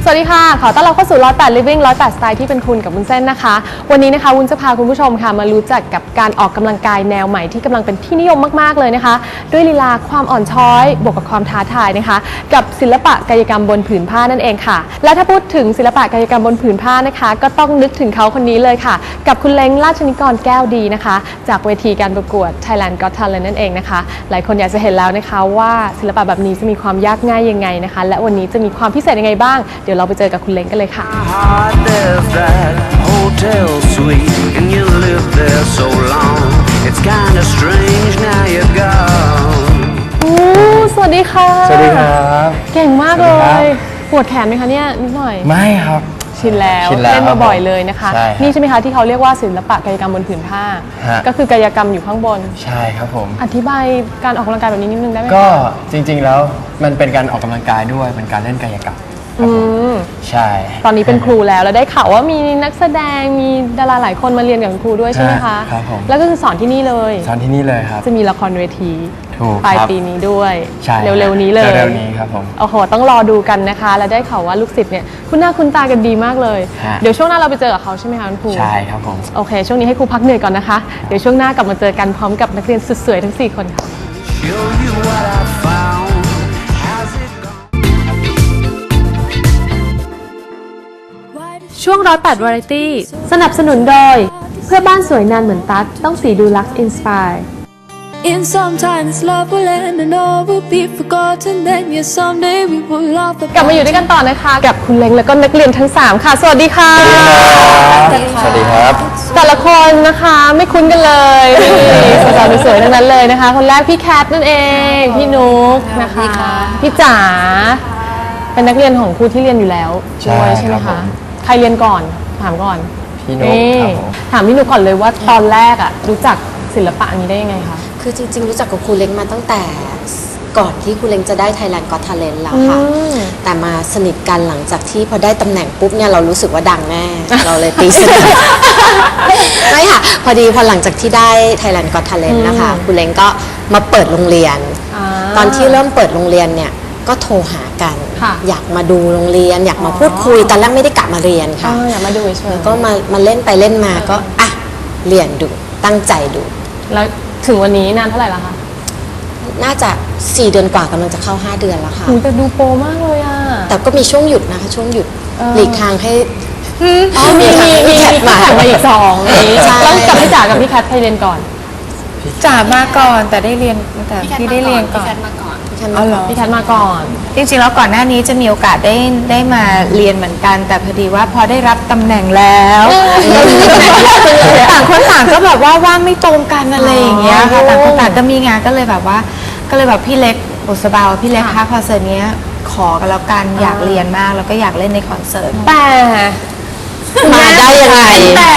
วัสดีค่ะขอต้อนรับเข้าสู่108 Living 108 Style ที่เป็นคุณกับวุ้นเส้นนะคะวันนี้นะคะวุ้นจะพาคุณผู้ชมค่ะมารู้จักกับการออกกำลังกายแนวใหม่ที่กำลังเป็นที่นิยมมากๆเลยนะคะด้วยลีลาความอ่อนช้อยบวกกับความท้าทายนะคะกับศิลปะกายกรรมบนผืนผ้านั่นเองค่ะและถ้าพูดถึงศิลปะกายกรรมบนผืนผ้านะคะก็ต้องนึกถึงเขาคนนี้เลยค่ะกับคุณเล้งราชนิกรแก้วดีนะคะจากเวทีการประกวด Thailand Got Talent นั่นเองนะคะหลายคนอยากจะเห็นแล้วนะคะว่าศิลปะแบบนี้จะมีความยากง่ายยังไงนะคะและวันนี้จะมีความพิเศษยังไงบ้างเดี๋ยวเราไปเจอกับคุณเล้งกันเลยค่ะสวัสดีค่ะสวัสดีครับเก่งมากเลยปวดแขนไหมคะเนี่ยนิดหน่อยไม่ครับชินแล้วเล่นมาบ่อยเลยนะคะนี่ใช่ไหมคะที่เขาเรียกว่าศิลปะกายกรรมบนผืนผ้าก็คือกายกรรมอยู่ข้างบนใช่ครับผมอธิบายการออกกำลังกายแบบนี้นิดนึงได้ไหมก็จริงๆแล้วมันเป็นการออกกำลังกายด้วยเป็นการเล่นกายกรรมใช่ตอนนี้เป็นครูแล้วได้ข่าวว่ามีนักแสดงมีดาราหลายคนมาเรียนกับครูด้วยใช่ไหมคะครับผมแล้วก็คือสอนที่นี่เลยสอนที่นี่เลยครับจะมีละครเวทีปลายปีนี้ด้วยเร็วๆนี้เลยเร็วๆนี้ครับผมโอ้โหต้องรอดูกันนะคะและได้ข่าวว่าลูกศิษย์เนี่ยคุณหน้าคุณตากันดีมากเลยเดี๋ยวช่วงหน้าเราไปเจอกับเขาใช่ไหมคะคุณครูใช่ครับผมโอเคช่วงนี้ให้ครูพักเหนื่อยก่อนนะคะเดี๋ยวช่วงหน้ากลับมาเจอกันพร้อมกับนักเรียนสุดสวยทั้ง4คนค่ะช่วง108 Variety สนับสนุนโดยเพื่อบ้านสวยนานเหมือนตั๊กต้องสีดูลักซ์อินสไปร์ In sometimes love will end and all will be forgotten then yes someday we will laugh กลับมาอยู่ด้วยกันต่อนะคะกับคุณเล้งแล้วก็นักเรียนทั้ง3ค่ะสวัสดีค่ะสวัสดีครับแต่ละคนนะคะไม่คุ้นกันเลยสาวๆสวยๆทั้งนั้นเลยนะคะคนแรกพี่แคทนั่นเองพี่นุ๊กนะคะพี่จ๋าเป็นนักเรียนของครูที่เรียนอยู่แล้วด้วยใช่ไหมคะใครเรียนก่อนถามก่อนพี่นุ๊กครับผมถามพี่นุ๊กก่อนเลยว่าตอนแรกอะรู้จักศิลปะนี้ได้ยังไงคะคือจริงๆรู้จักกับครูเล้งมาตั้งแต่ก่อนที่ครูเล้งจะได้ Thailand Got Talent แล้วค่ะแต่มาสนิทกันหลังจากที่พอได้ตำแหน่งปุ๊บเนี่ยเรารู้สึกว่าดังแน่ เราเลยตีสนิทไม่ค่ะพอหลังจากที่ได้ Thailand Got Talent นะคะครูเล้งก็มาเปิดโรงเรียนตอนที่เริ่มเปิดโรงเรียนเนี่ยก็โทรหากันอยากมาดูโรงเรียนอยากมาพูดคุยตอนแรกไม่ได้กะมาเรียนค่ะอยากมาดูเฉยก็มาเล่นไปเล่นมาก็อ่ะเรียนดูตั้งใจดูแล้วถึงวันนี้นานเท่าไหร่แล้วคะน่าจะ4 เดือนกว่ากำลังจะเข้า5 เดือนแล้วค่ะแต่ดูโปรมากเลยอ่ะแต่ก็มีช่วงหยุดนะคะช่วงหยุดหลีกทางให้มีแคทมาอีก2นี้แล้วกับพี่จ๋ากับพี่แคทใครเรียนก่อนจ๋ามาก่อนแต่ได้เรียนแต่พี่ได้เรียนก่อนพี่แคทมาก่อนจริงๆแล้วก่อนหน้านี้จะมีโอกาสได้มาเรียนเหมือนกันแต่พอดีว่าพอได้รับตำแหน่งแล้วต่างคนต่างก็แบบว่าว่างไม่ตรงกันอะไรอย่างเงี้ยค่ะต่างคนต่างก็มีงานก็เลยแบบพี่เล็กบุษบาพี่เล็กคะคอนเสิร์ตนี้ขอกันแล้วกันอยากเรียนมากแล้วก็อยากเล่นในคอนเสิร์ตแต่มาได้ยังไงแต่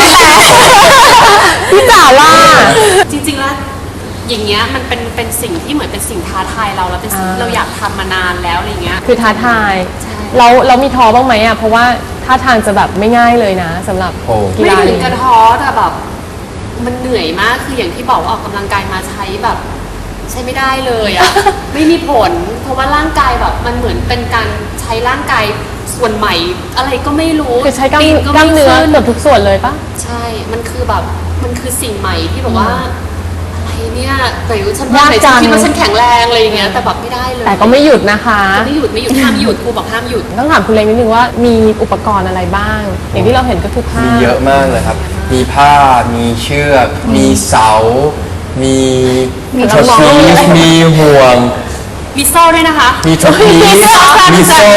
พี่จ๋าว่าจริงๆแล้วอย่างเงี้ยมันเป็นสิ่งที่เหมือนเป็นสิ่งท้าทายเราแล้วเป็นสิ่งที่เราอยากทำมานานแล้วอะไรเงี้ยคือท้าทายเรามีท้อบ้างไหมอ่ะเพราะว่าท่าทางจะแบบไม่ง่ายเลยนะสำหรับกีฬาไม่ถึงกระท้อแต่แบบมันเหนื่อยมากคืออย่างที่บอกว่าออกกำลังกายมาใช้แบบใช้ไม่ได้เลยอ่ะ ไม่มีผลเพราะว่าร่างกายแบบมันเหมือนเป็นการใช้ร่างกายส่วนใหม่อะไรก็ไม่รู้คือใช้กล้ามเนื้อเกือบทุกส่วนเลยปะใช่มันคือแบบมันคือสิ่งใหม่ที่แบบว่าเนี่ยแต่ฉันคิดว่าฉันแข็งแรงอะไรอย่างเงี้ยแต่แบบไม่ได้เลยแต่ก็ไม่หยุดนะคะไม่หยุดห้ามหยุดครูบอกห้ามหยุดต้องถามคุณเล้งนิดนึงว่ามีอุปกรณ์อะไรบ้างอย่างที่เราเห็นก็คือผ้ามีเยอะมากเลยครับมีผ้ามีเชือกมีเสามีทอพีสมีห่วงมีโซ่ด้วยนะคะมีทอพีสมีโซ่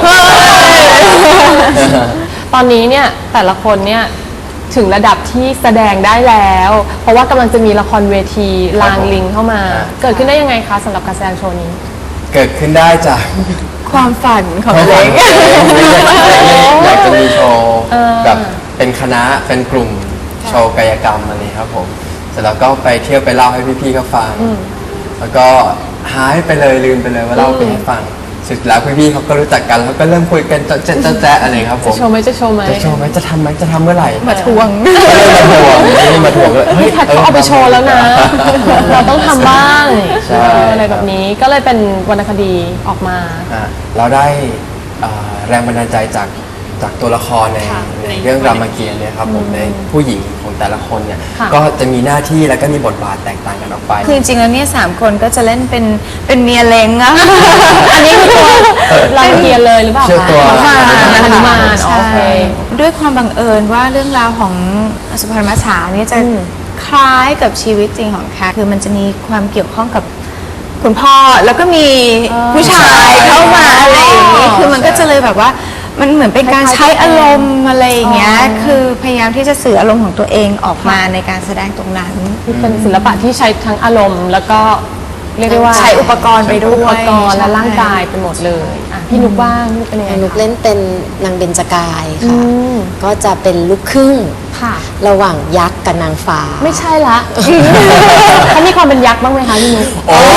ตอนนี้เนี่ยแต่ละคนเนี่ยถึงระดับที่แสดงได้แล้วเพราะว่ากำลังจะมีละครเวทีลางลิงเข้ามาเกิดขึ้นได้ยังไงคะสำหรับการแสดงโชว์นี้เกิดขึ้นได้จากความฝันของเด็กอยากจะมีโชว์แบบเป็นคณะเป็นกลุ่มโชว์กายกรรมอะไรครับผมเสร็จแล้วก็ไปเที่ยวไปเล่าให้พี่ๆเขาฟังแล้วก็หายไปเลยลืมไปเลยว่าเล่าไปให้ฟังสุดแล้วพี่ๆเขาก็รู้จักกันแล้วก็เริ่มคุยกันแจ๊ะอะไรครับผมจะโชว์ไหมจะทำไหมจะทำเมื่อไหร่มาทวงมาทวงเลยพี่แคทเขาเอาไปโชว์แล้วนะเราต้องทำบ้างอะไรแบบนี้ก็เลยเป็นวรรณคดีออกมาเราได้แรงบันดาลใจจากตัวละครในเรื่องรามเกียรติ์เนี่ยครับผมในผู้หญิงของแต่ละคนเนี่ยก็จะมีหน้าที่และก็มีบทบาทแตกต่างกันออกไปคือจริงๆแล้วเนี่ย3 คนก็จะเล่นเป็นเมียเล้งอะอันนี้คือตัวรามเกียรติ์เลยหรือเปล่าชื่อคะตัวหนุมานใช่โอเคด้วยความบังเอิญว่าเรื่องราวของสุพรรณมัจฉาเนี่ยจะคล้ายกับชีวิตจริงของแคทคือมันจะมีความเกี่ยวข้องกับคุณพ่อแล้วก็มีผู้ชายเข้ามาอะไรอย่างนี้คือมันก็จะเลยแบบว่ามันเหมือนเป็นการใช้อารมณ์อะไรอย่างเงี้ยคือพยายามที่จะสื่ออารมณ์ของตัวเองออกมาในการแสดงตรงนั้นคือเป็นศิลปะที่ใช้ทั้งอารมณ์แล้วก็เรียกได้ว่าใช้อุปกรณ์ไปด้วยอุปกรณ์และร่างกายไปหมดเลยอ่ะพี่นุกบ้างนุกเป็นยังไงนุกคะเล่นเป็นนางเบญจกายค่ะมก็จะเป็นลูกครึ่งค่ะระหว่างยักษ์กับนางฟ้าไม่ใช่ละเขามีความเป็นยักษ์บ้างไหมคะพี่นุก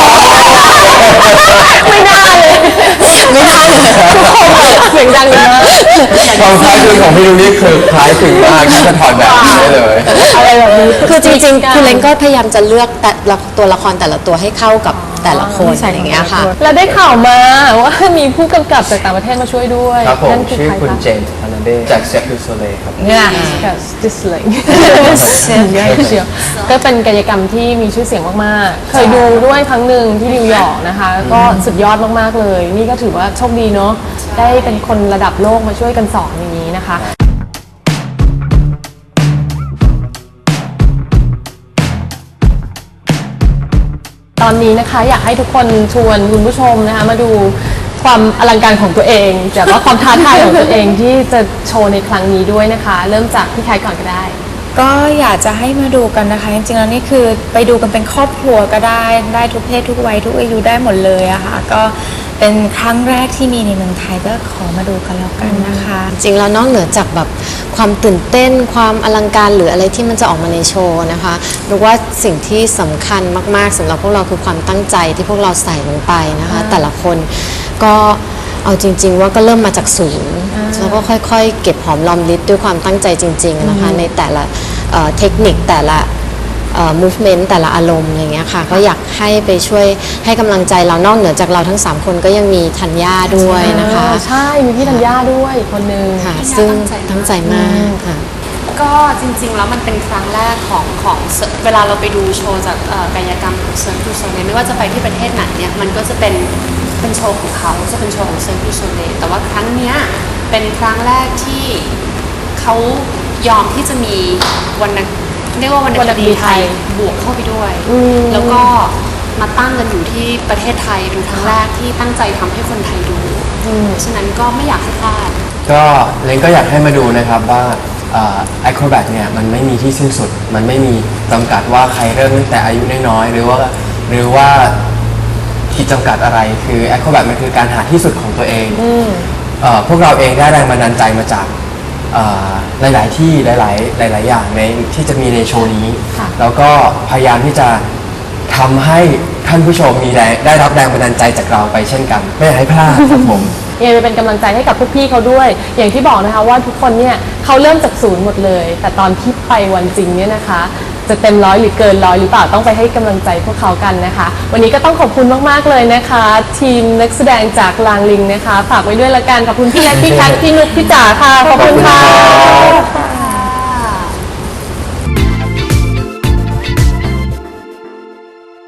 ไม่น่าเลยไม่ได้เลยทุกคนแบบเสียงดังเลยนะความคล้ายคลึงของพี่นุ้นี่คือคล้ายคลึงมากที่จะถอดแบบนี้ได้เลยอะไรแบบนี้คือจริงๆคุณเล้งก็พยายามจะเลือกแต่ละตัวละครแต่ละตัวให้เข้ากับแต่ละคนอย่างเงี้ยค่ะแล้วได้ข่าวมาว่ามีผู้กำกับจากต่างประเทศมาช่วยด้วยครับผมนั่นคือชื่อใครคุณคะเจมส์ฟานาเดจากเซฟดูโซเลครับเนี่ยกับดิสเลงเยอะเชียวก็เป็นกายกรรมที่มีชื่อเสียงมากๆ เคยดูด้วยครั้งหนึ่งที่นิวยอร์กนะคะ ก็สุดยอดมากๆเลย นี่ก็ถือว่าโชคดีเนาะได้เป็นคนระดับโลกมาช่วยกันสอนอย่างนี้นะคะ ตอนนี้นะคะอยากให้ทุกคนชวนคุณผู้ชมนะคะมาดูความอลังการของตัวเองแต่ว่าความท้าทายของตัวเองที่จะโชว์ในครั้งนี้ด้วยนะคะ เริ่มจากพี่แคทก่อนก็ได้ก็อยากจะให้มาดูกันนะคะจริงๆแล้วนี่คือไปดูกันเป็นครอบครัวก็ได้ทุกเพศทุกวัยทุกอายุได้หมดเลยอะค่ะก็เป็นครั้งแรกที่มีในเมืองไทยก็ขอมาดูกันแล้วกันนะคะจริงแล้วนอกเหนือจากแบบความตื่นเต้นความอลังการหรืออะไรที่มันจะออกมาในโชว์นะคะรู้ว่าสิ่งที่สำคัญมากๆสำหรับพวกเราคือความตั้งใจที่พวกเราใส่ลงไปนะคะ แต่ละคนก็เอาจริง ๆ ว่าก็เริ่มมาจากศูนย์แล้วก็ค่อยๆเก็บหอมรอมริบด้วยความตั้งใจจริงๆนะคะในแต่ละเทคนิคแต่ละmovement แต่ละอารมณ์อะไรเงี้ยค่ะก็อยากให้ไปช่วยให้กำลังใจเรานอกเหนือจากเราทั้ง3คนก็ยังมีธัญญาด้วยนะคะใช่ มีพี่ธัญญาด้วยอีกคนนึงค่ะซึ่งตั้งใจมากค่ะก็จริงๆแล้วมันเป็นครั้งแรกของเวลาเราไปดูโชว์จากกายกรรมของเซิร์ฟดูโซเลไม่ว่าจะไปที่ประเทศไหนเนี่ยมันก็จะเป็นโชว์ของเขาจะเป็นโชว์ของเซิร์ฟดูโซเลแต่ว่าครั้งเนี้ยเป็นครั้งแรกที่เขายอมที่จะมีเรียกว่าวรรณคดีไทยบวกเข้าไปด้วย แล้วก็มาตั้งกันอยู่ที่ประเทศไทยเป็นครั้งแรกที่ตั้งใจทำให้คนไทยดูฉะนั้นก็ไม่อยากให้พลาดก็เล้งก็อยากให้มาดูนะครับว่าไอโครแบทเนี่ยมันไม่มีที่สิ้นสุดมันไม่มีจำกัดว่าใครเริ่มตั้งแต่อายุน้อยๆหรือว่าขีดจำกัดอะไรคือไอโครแบทมันคือการหาที่สุดของตัวเองพวกเราเองได้แรงบันดาลใจมาจากหลายๆที่หลายๆอย่างในที่จะมีในโชว์นี้แล้วก็พยายามที่จะทำให้ท่านผู้ชมได้รับแรงบันดาลใจจากเราไปเช่นกันไม่อยากให้พลาดครับผมยังไปเป็นกำลังใจให้กับพวกพี่เขาด้วย อย่างที่บอกนะคะว่าทุกคนเนี่ยเขาเริ่มจากศูนย์หมดเลย แต่ตอนที่ไปวันจริงเนี่ยนะคะ จะเต็มร้อยหรือเกินร้อยหรือเปล่าต้องไปให้กำลังใจพวกเขากันนะคะ วันนี้ก็ต้องขอบคุณมากๆเลยนะคะ ทีมนักแสดงจากลางลิงนะคะฝากไว้ด้วยละกันขอบคุณพี่แนทพี่แคทพี่นุกพี่จ๋าค่ะขอบคุณค่ะ